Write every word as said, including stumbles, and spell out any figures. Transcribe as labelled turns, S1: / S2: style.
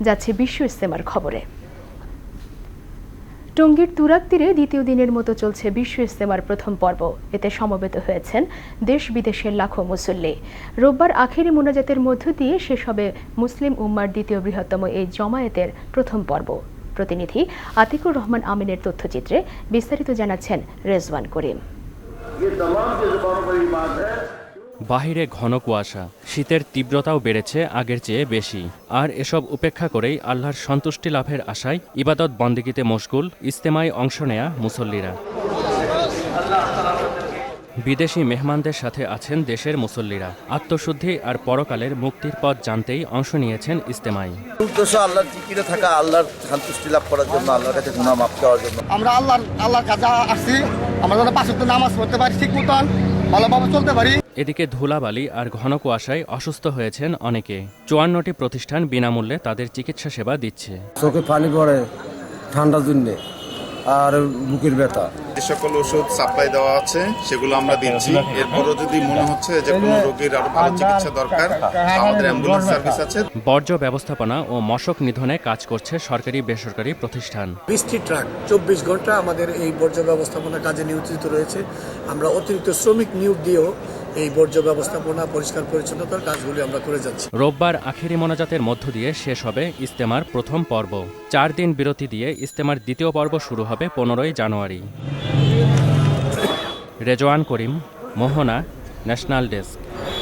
S1: যাচ্ছে বিশ্ব ইজতেমার খবরে। টঙ্গীর তুরাগ তীরে দ্বিতীয় দিনের মতো চলছে বিশ্ব ইজতেমার প্রথম পর্ব। এতে সমবেত হয়েছেন দেশ বিদেশের লাখো মুসল্লি। রোববার আখেরি মোনাজাতের মধ্য দিয়ে শেষ হবে মুসলিম উম্মার দ্বিতীয় বৃহত্তম এই জমায়েতের প্রথম পর্ব। প্রতিনিধি আতিকুর রহমান আমিনের তথ্যচিত্রে বিস্তারিত জানাচ্ছেন রেজওয়ান করিম।
S2: বাহিরে ঘন কুয়াশা, শীতের তীব্রতাও বেড়েছে আগের চেয়ে বেশি। আর এসব উপেক্ষা করেই আল্লাহর সন্তুষ্টি লাভের আশায় ইবাদত বন্দেগীতে মশগুল ইজতেমায় অংশ নেয়া মুসল্লিরা। বিদেশি মেহমানদের সাথে আছেন দেশের মুসল্লিরা। আত্মশুদ্ধি আর পরকালের মুক্তির পথ জানতেই অংশ নিয়েছেন ইজতেমায়।
S3: উদ্দেশ্য আল্লাহর জিকিরে থাকা, আল্লাহর সন্তুষ্টি লাভ করার জন্য, আল্লাহর কাছে গুনাহ মাফ চাওয়ার জন্য।
S4: আমরা আল্লাহর আল্লাহর কাছে আসছি, আমরা যেন পাঁচ ওয়াক্ত নামাজ পড়তে পারি, ঠিক মতন ভালোভাবে চলতে পারি।
S2: এদিকে ধুলাবালি আর ঘন কুয়াশায় অসুস্থ হয়েছেন অনেকে। চুয়ান্নটি প্রতিষ্ঠান বিনামূল্যে তাদের চিকিৎসা সেবা দিচ্ছে।
S5: চোখে পানি পড়ে ঠান্ডার জন্য আর বুকের ব্যথা।
S6: যে সকল ওষুধ সাপ্লাই দেওয়া আছে সেগুলো আমরা দিচ্ছি। এরপরও যদি মনে হচ্ছে যে কোনো রোগীর আরো ভালো চিকিৎসা দরকার, আমাদের অ্যাম্বুলেন্স সার্ভিস আছে।
S2: বর্জ্য ব্যবস্থাপনা ও মশক নিধনে কাজ করছে সরকারি বেসরকারি প্রতিষ্ঠান।
S7: বিশটি ট্রাক চব্বিশ ঘন্টা আমাদের এই বর্জ্য ব্যবস্থাপনা কাজে নিয়োজিত রয়েছে। আমরা অতিরিক্ত শ্রমিক নিয়োগ দিয়েও এই বর্জ্য ব্যবস্থাপনা পরিষ্কার পরিচ্ছন্নতার কাজগুলি আমরা করে যাচ্ছি।
S2: রোববার আখেরি মোনাজাতের মধ্য দিয়ে শেষ হবে ইজতেমার প্রথম পর্ব। চার দিন বিরতি দিয়ে ইজতেমার দ্বিতীয় পর্ব শুরু হবে পনেরোই জানুয়ারি। Rezwan Karim, Mohona, national desk.